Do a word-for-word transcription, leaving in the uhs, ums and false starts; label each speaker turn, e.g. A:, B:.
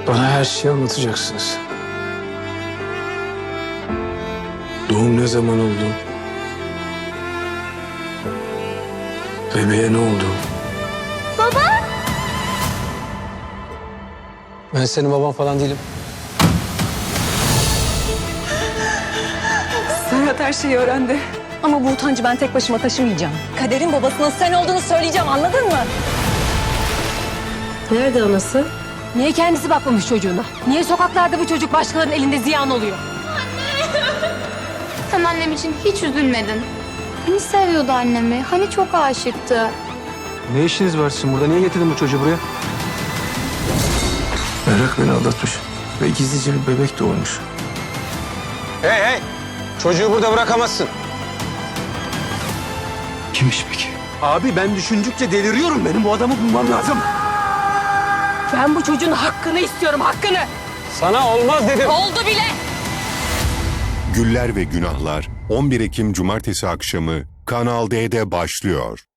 A: Bana her şeyi anlatacaksınız. Doğum ne zaman oldu? Bebeğe ne oldu?
B: Baba!
A: Ben senin baban falan değilim.
C: Serhat her şeyi öğrendi. Ama bu utancı ben tek başıma taşımayacağım. Kader'in babasının sen olduğunu söyleyeceğim, anladın mı?
D: Nerede anası?
E: Niye kendisi bakmamış çocuğuna? Niye sokaklarda bu çocuk başkalarının elinde ziyan oluyor?
B: Sen annem için hiç üzülmedin. Hani seviyordu annemi, hani çok aşıktı.
A: Ne işiniz var sizin burada? Niye getirdin bu çocuğu buraya? Merak beni aldatmış. Ve gizlice bir bebek doğurmuş.
F: Hey hey! Çocuğu burada bırakamazsın.
A: Kimmiş peki?
F: Abi ben düşündükçe deliriyorum. Benim bu adamı bulmam lazım.
E: Ben bu çocuğun hakkını istiyorum, hakkını.
F: Sana olmaz dedim.
E: Oldu bile.
G: Güller ve Günahlar on bir Ekim Cumartesi akşamı Kanal D'de başlıyor.